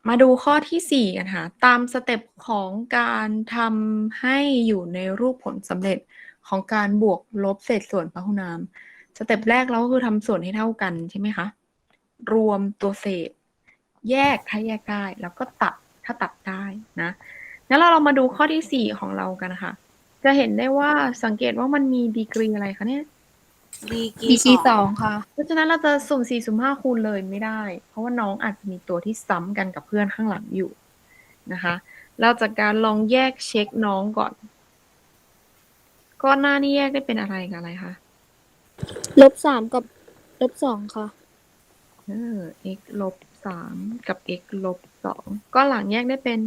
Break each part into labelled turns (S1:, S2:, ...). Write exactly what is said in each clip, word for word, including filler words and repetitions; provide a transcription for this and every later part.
S1: มาดูข้อที่สี่กันค่ะ ตามสเต็ปของการทำให้อยู่ในรูปผลสำเร็จของการบวกลบเศษส่วนพหุนาม สเต็ปแรกเราก็คือทำส่วนให้เท่ากันใช่ไหมคะ รวมตัวเศษ แยกถ้าแยกได้ แล้วก็ตัดถ้าตัดได้นะงั้นเราเรามาดูข้อที่สี่ของเรากันค่ะ จะเห็นได้ว่าสังเกตว่ามันมีดีกรีอะไรคะเนี่ย
S2: ดีกรี
S3: ดีกรี
S2: ส
S3: ส
S2: อ
S3: อง งค่ะ
S1: เพราะฉะนั้นเราจะสุ่มสี่สุ่มห้าคูณเลยไม่ได้ เพราะว่าน้องอาจจะมีตัวที่ซ้ำกันกับเพื่อนข้างหลังอยู่นะคะ เราจากการลองแยกเช็คน้องก่อน ก้อนหน้านี่แยกได้เป็นอะไรกับอะไรคะ
S3: ลบสามกับลบสองค่ะ
S1: เออ x ลบสามกับ x ลบสองก้อนหลังแยกได้เป็น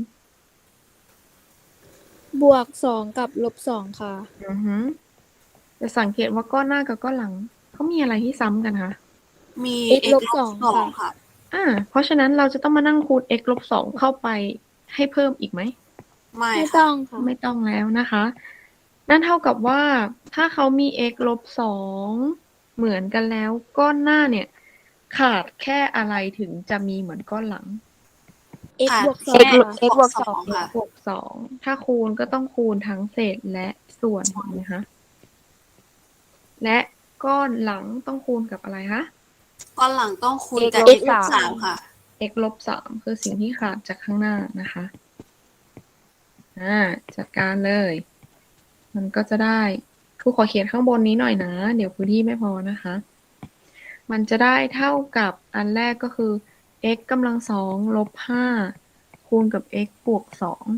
S3: บวกสองกับลบสองค่ะ
S1: อือฮึจะสังเกตว่าก้อนหน้ากับก้อนหลังเขามีอะไรที่ซ้ำกันคะ
S2: มี
S3: x
S2: x
S3: ล
S2: ล
S3: บบ ส
S2: ส
S3: อ
S2: อง งค่ะ
S1: อ่า เพราะฉะนั้นเราจะต้องมานั่งคูณ x ลบสองเข้าไปให้เพิ่มอีกไหม
S2: ไม่
S3: ไม่
S2: ค่ะ
S3: ต้องค่ะ
S1: ไม่ต้องแล้วนะคะ นั่นเท่ากับว่าถ้าเขามี x ลบสองเหมือนกันแล้วก้อนหน้าเนี่ย ขาดแค่อะไรถึงจะมีเหมือนก้อนหลัง
S3: x
S2: ค่ะ
S3: บวกสอ
S2: แค่
S3: งค่ะ
S2: x บวกสอง
S1: x
S2: ค่ะ
S1: บวกสองถ้าคูณก็ต้องคูณทั้งเศษและส่วนถูกไหมคะและก้อนหลังต้องคูณกับอะไรคะ
S2: ก้อนหลังต้องคูณ
S3: x
S2: กับ
S3: ล
S2: x
S3: บ
S2: ลบ
S3: สา
S2: สาม มค่ะ
S1: x ลบสามคือสิ่งที่ขาดจากข้างหน้านะคะอ่าจัดการเลย มันก็จะได้ครูขอเขียนข้างบนนี้หน่อยนะ เดี๋ยวพื้นที่ไม่พอนะคะ มันจะได้เท่ากับอันแรกก็คือ x กำลังสองลบห้าคูณกับ x บวกสอง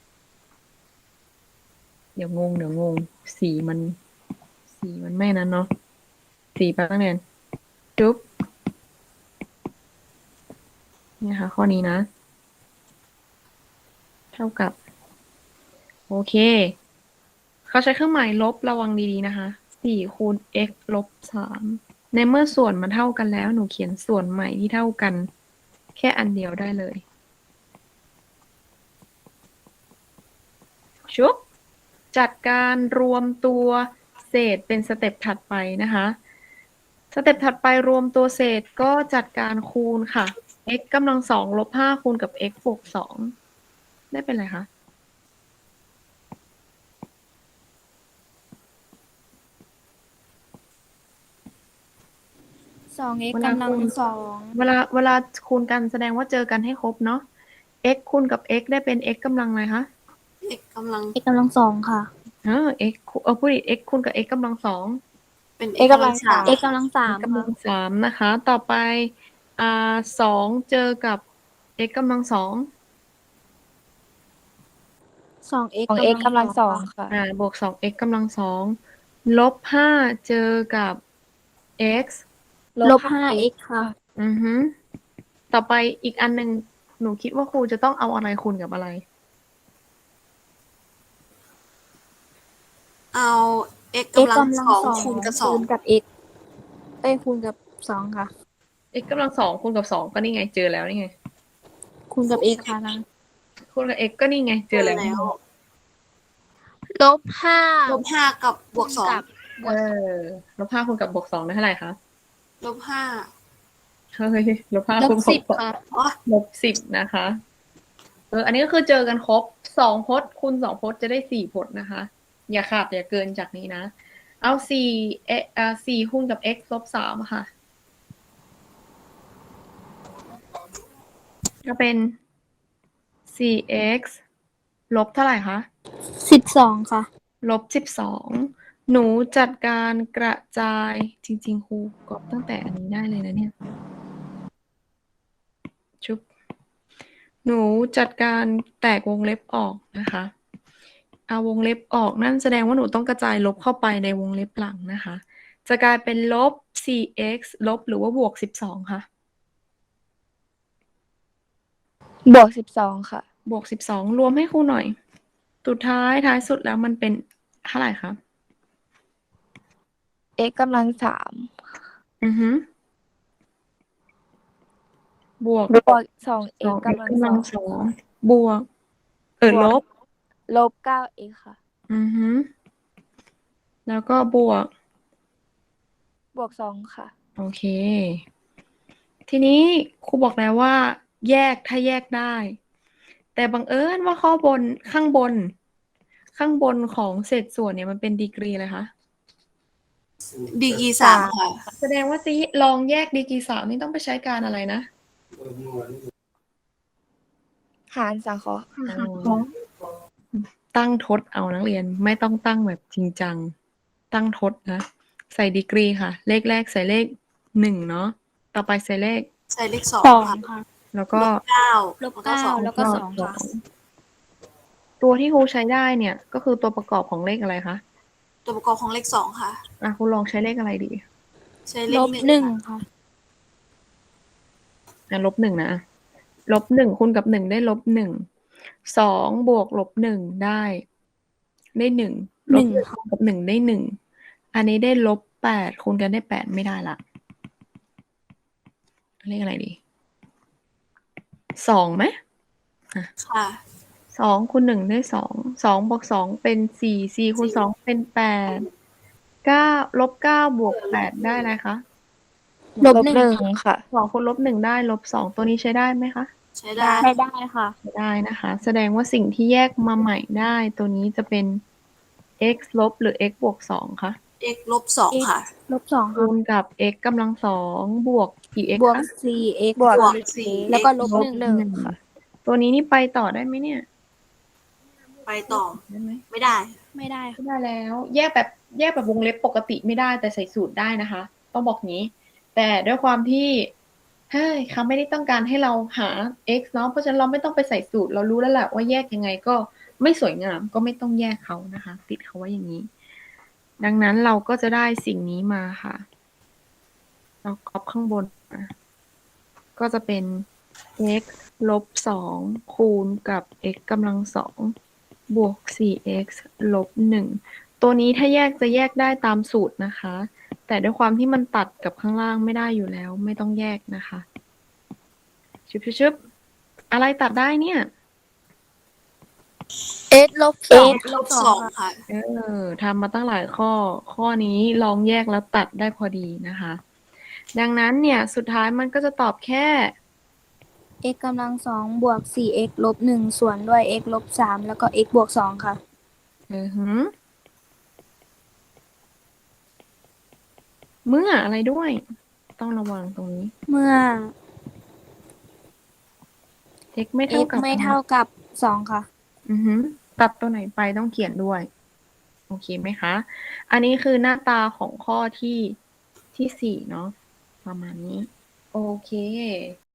S1: เดี๋ยวงงเดี๋ยวงง สีมัน สีมันไม่นั้นเนาะ สีแป๊บนึงเรียนจุ๊บเนี่ยค่ะข้อนี้นะ เท่ากับ โอเค เขาใช้เครื่องหมายลบระวังดีๆนะคะ สี่คูณ x ลบสาม ในเมื่อส่วนมันเท่ากันแล้ว หนูเขียนส่วนใหม่ที่เท่ากัน แค่อันเดียวได้เลย ชุบ จัดการรวมตัวเศษเป็นสเต็ปถัดไปนะคะ สเต็ปถัดไปรวมตัวเศษก็จัดการคูณค่ะ x กำลังสองลบห้าคูณกับ x บวกสองได้เป็นไรคะ
S3: สอง x
S1: เวลาก
S3: ำลัง
S1: คูณ
S3: สอง
S1: เวลาเวลาคูณกันแสดงว่าเจอกันให้ครบเนาะ x คูณกับ x ได้เป็น x กำลังอะไรคะ
S2: x กำลัง
S3: x กำลังสองค่ะ
S1: เออ x คูเออพูดดิ x คูณกับ x กำลังสอง
S2: เป็น
S3: x
S2: x
S3: กำ
S2: กำ
S3: ลั
S2: ลั
S3: ง
S2: ง
S3: สา
S2: สาม ม
S3: x กำลังสาม
S1: x กำลั
S3: ค่ะ
S1: งสามนะคะ ต่อไปอ่าสองเจอกับ x กำลังสอง
S3: สอง x
S4: ของ x กำลังสองค่ะ
S1: อ่าบวกสอง x กำลังสองลบห้าเจอกับ x
S3: ลบห้า x ค่ะ
S1: อือฮึต่อไปอีกอันหนึ่งหนูคิดว่าครูจะต้องเอาอะไรคูณกับอะไร
S2: เอา x
S3: x
S2: กำลัง
S3: กำลั
S2: ส
S3: ง
S2: อง
S3: สอง
S2: คูณกับสอ
S3: คู
S2: ง
S3: ณกับ x เอ้ยคูณกับสองค่ะ
S1: x กำลังสองคูณกับสองก็นี่ไงเจอแล้วนี่ไง
S3: คูณกับ x ค่ะนะ
S1: คูณกับ x ก็นี่ไงเจอแล้ว
S2: แล้ว
S3: ลบห้า
S2: ลบห้ากับบวกสอง
S1: เออลบห้าคูณกับบวกสองได้เท่าไหร่คะ
S2: ลบห้า
S1: เฮ้ยลบห้า
S3: ล
S1: คู
S3: บ
S1: ณ
S3: สิบ
S1: กั
S3: ค่ะ
S2: อ๋อ
S1: ลบสิบนะคะ เออ อันนี้ก็คือเจอกันครบสองพจน์คูณสองพจน์จะได้สี่พจน์นะคะ อย่าขาดอย่าเกินจากนี้นะ เอาสี่เออ่าสี่คูณกับ x ลบสามค่ะ ก็เป็น สี่ x ลบเท่าไหร่คะ
S3: สิบสองค่ะ
S1: ลบสิบสอง หนูจัดการกระจายจริงๆครูกอบตั้งแต่อันนี้ได้เลยนะเนี่ย ชุบ หนูจัดการแตกวงเล็บออกนะคะ เอาวงเล็บออกนั่นแสดงว่าหนูต้องกระจายลบเข้าไปในวงเล็บหลังนะคะ จะกลายเป็นลบ สี่ x ลบหรือว่าบวกสิบสองค่ะ
S4: บวกสิบสองค่ะ
S1: บวกสิบสองรวมให้ครูหน่อย สุดท้ายท้ายสุดแล้วมันเป็นเท่าไหร่คะ
S4: x กำลังสาม
S1: อือฮึบวก
S4: บวกสอง
S1: สอ
S4: x
S1: ง x
S4: กำลัง
S1: กำ
S4: ส
S1: ลั
S4: อง ง
S1: สองบวก เออ
S4: บวก
S1: ลบ
S4: ลบเก้า x ค่ะ
S1: อือฮึแล้วก็บวก
S4: บวกสองค่ะ
S1: โอเค ทีนี้ครูบอกแล้วว่าแยกถ้าแยกได้ แต่บังเอิญว่าข้อบนข้างบน ข้างบนของเศษส่วนเนี่ยมันเป็นดีกรีอะไรคะ
S2: ดีกรีสามค่ะ
S1: แสดงว่าจะลองแยกดีกรีสามนี่ต้องไปใช้การอะไรนะ
S4: หารสังเคราะห์
S1: ตั้งทดเอานักเรียนไม่ต้องตั้งแบบจริงจัง ตั้งทดนะ ใส่ดีกรีค่ะ เลขแรกใส่เลขหนึ่งเนาะต่อไปใส่เลข
S2: ใส่เลขสอง
S3: สอง
S2: ค่ะ
S3: ค่ะ
S1: แล้วก็
S2: ลบเก้า
S3: ลบเก้าแล้วก็สองค่ะ
S1: ตัวที่ครูใช้ได้เนี่ย ก็คือตัวประกอบของเลขอะไรคะ
S2: ตัวประกอบของเลขสองค่ะ
S1: อ่ะครูลองใช้เลขอะไรดี
S2: ใช้เล
S3: ล
S2: ข
S3: บ
S2: หนึ่ง
S3: หนึ่ง
S2: ค่ะ
S3: ค่ะ
S1: อ่ะลบหนึ่งนะลบหนึ่งคูณกับหนึ่งได้ลบหนึ่งสองบวกลบหนึ่งได้ ได้หนึ่งลบ
S3: หนึ่ง
S1: คูณกับหนึ่งได้หนึ่งอันนี้ได้ลบแปดคูณกันได้แปดไม่ได้ละเลขอะไรดีสองไหม
S2: ค่ะ
S1: สองคูณหนึ่งได้สองสองบวกสองเป็นสี่สี่คูณสองเป็นแปดเก้าลบเก้าบวกแปดได้อะไรคะ
S3: ล
S4: ล
S3: บบ ห
S4: ห
S3: นึ่
S4: นึ่
S3: ง
S4: งค่ะ
S1: สองคูณลบหนึ่งได้ลบสองตัวนี้ใช้ได้ไหมคะ
S2: ใช้ได้
S3: ใช้ได้ค่ะ
S1: ใช้ได้นะคะ แสดงว่าสิ่งที่แยกมาใหม่ได้ตัวนี้จะเป็น x ลบหรือ x บวกสองคะ
S2: x ลบสองค่ะ
S3: ลบสอง
S1: คู
S3: ค่ะ
S1: ณกับ x กำลังสองบวกกี่ x
S3: บวก
S1: คะ
S3: สี่ x
S4: บวก
S2: บวกสี่
S3: แล้วก็
S2: x
S3: ลบ
S1: ลบ
S3: หนึ่ง
S1: หนึ่งค่ะ ตัวนี้นี่ไปต่อได้ไหมเนี่ย
S2: ไปต่อ
S1: ได้ไหม
S2: ไม่ได้
S3: ไม่ได้ค่ะ
S1: ไม่ได้แล้ว แยกแบบแยกแบบวงเล็บปกติไม่ได้แต่ใส่สูตรได้นะคะ ต้องบอกงี้ แต่ด้วยความที่เฮ้ยเขาไม่ได้ต้องการให้เราหา x เนาะเพราะฉะนั้นเราไม่ต้องไปใส่สูตรเรารู้แล้วแหละว่าแยกยังไงก็ไม่สวยงามก็ไม่ต้องแยกเขานะคะ ติดเขาไว้อย่างนี้ ดังนั้นเราก็จะได้สิ่งนี้มาค่ะ เราก๊อปข้างบนมาก็จะเป็น x ลบสองคูณกับ x กำลังสองบวก สี่ x ลบหนึ่งตัวนี้ถ้าแยกจะแยกได้ตามสูตรนะคะ แต่ด้วยความที่มันตัดกับข้างล่างไม่ได้อยู่แล้ว ไม่ต้องแยกนะคะชึบชึบชึบอะไรตัดได้เนี่ย
S3: x ลบสอง
S2: x ลบสองค่ะ
S1: เออทำมาตั้งหลายข้อ ข้อนี้ลองแยกแล้วตัดได้พอดีนะคะ ดังนั้นเนี่ยสุดท้ายมันก็จะตอบแค่
S3: x กำลังสองบวก สี่ x ลบหนึ่งส่วนด้วย x ลบสามแล้วก็ x บวกสองค่ะ
S1: เออหือเมื่ออะไรด้วย ต้องระวังตรงนี้
S3: เมื่อ
S1: x ไม่เท่า
S3: x
S1: กับ
S3: ไม่เท่ากับสองค่ะ
S1: อือหือตัดตัวไหนไปต้องเขียนด้วย โอเคไหมคะ อันนี้คือหน้าตาของข้อที่ที่สี่เนาะประมาณนี้ โอเค